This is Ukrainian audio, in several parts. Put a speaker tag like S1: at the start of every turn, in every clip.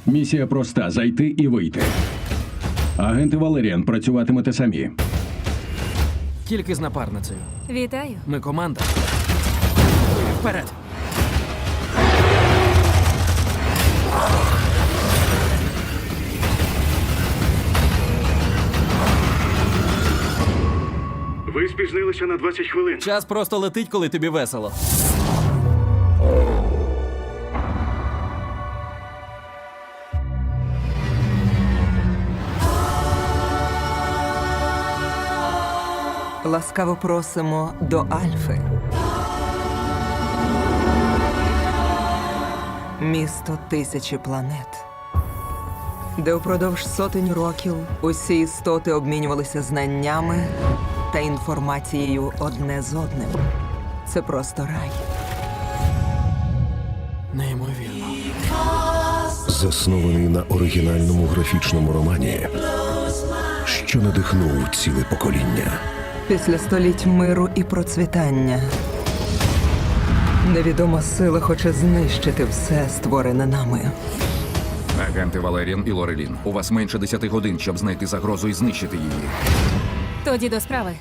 S1: Місія проста – зайти і вийти. Агенти Валеріан працюватимете самі.
S2: Тільки з напарницею.
S3: Вітаю.
S2: Ми команда. Вперед!
S4: Ви спізнилися на 20 хвилин.
S2: Час просто летить, коли тобі весело.
S5: Ласкаво просимо до Альфи. Місто тисячі планет, де упродовж сотень років усі істоти обмінювалися знаннями та інформацією одне з одним. Це просто рай.
S2: Неймовірно.
S6: Заснований на оригінальному графічному романі, що надихнув ціле покоління.
S5: Після століть миру і процвітання невідома сила хоче знищити все, створене нами.
S7: Агенти Валеріан і Лорелін, у вас менше 10 годин, щоб знайти загрозу і знищити її.
S3: Тоді до справи.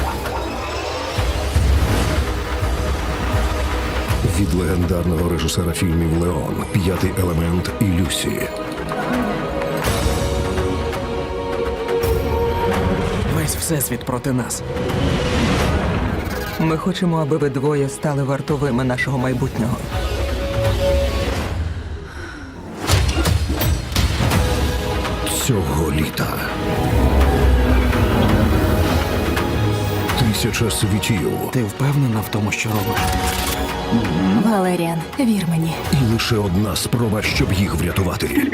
S6: Від легендарного режисера фільмів «Леон», «П'ятий елемент» і «Люсі».
S2: Весь всесвіт проти нас.
S5: Ми хочемо, аби ви двоє стали вартовими нашого майбутнього.
S6: Цього літа 1000 світів
S2: Ти впевнена в тому, що робиш?
S3: Валеріан, вір мені.
S6: і лише одна спроба, щоб їх врятувати.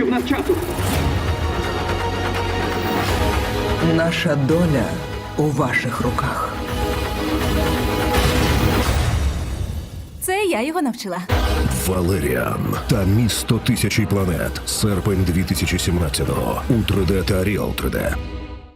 S5: Наша доля у ваших руках.
S3: Це я його навчила.
S6: Валеріан та місто тисячі планет. Серпень 2017-го. У 3D та Real 3D.